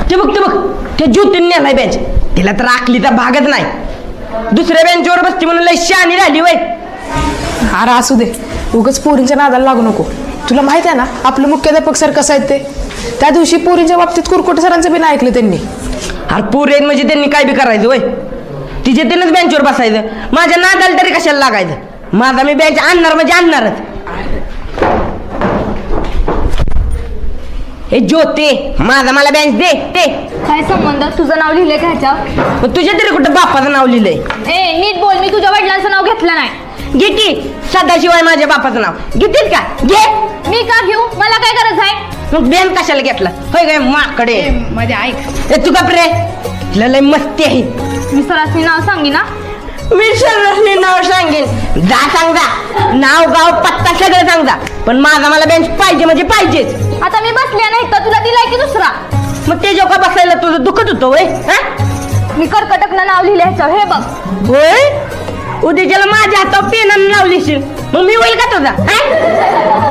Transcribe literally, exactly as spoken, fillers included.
ते बघ ते बघ ते ज्योतीने नेलाय बेंच. तिला तर आखलीचा भागच नाही. दुसऱ्या बेंचवर बसती म्हणून लय शहाणी राहिली वय. अरे असू दे, उगाच पोरींच्या नादाला लागू नको. तुला माहित आहे ना आपलं मुख्याध्यापक सर कसं आहेत ते. त्या दिवशी पोरींच्या बाबतीत कुरकुटे सरांचं बी नाही ऐकलं त्यांनी. अरे पोरी आहेत म्हणजे त्यांनी काय बी करायचं वय. तिचे तिनंच बेंचवर बसायचं. माझ्या नादाला तरी कशाला लागायचं. माझा मी बेंच आणणार म्हणजे आणणारच. हे ज्योते माझा मला बेंच दे ते. काय संबंध, तुझं नाव लिहिलंय का ह्याच्यावर? मग तुझ्या तरी कुठं बापाचं नाव लिहिलंय. ए नीट बोल, मी तुझ्या वडिलांचं नाव घेतलं नाही. घे की सदाशिवाय माझ्या बापाचं नाव घेतील का? घे. मी का घेऊ, मला काय गरज आहे? मग बेन कशाला घेतला होय काय माकडे. मध्ये ऐक, ए तू का प्रे लय मस्ती आहे. मी सरासनी नाव सांगी ना. मी सर्वांनी नाव सांगेन. जा सांग जा, नाव गाव पत्ता सगळं सांग जा. पण माझा मला बेंच पाहिजे म्हणजे पाहिजेच. आता मी बसले नाही तर तुला दिलाय की दुसरा. मग ते जो का बसायला तुझं दुखत होतं वय. मी कर्कटकनं नाव लिहिलंय ह्याच्यावर, हे बघ. होय उद्याच्याला माझ्या हातावर पेनानं लावलीशील मग मी होईल का तुझा.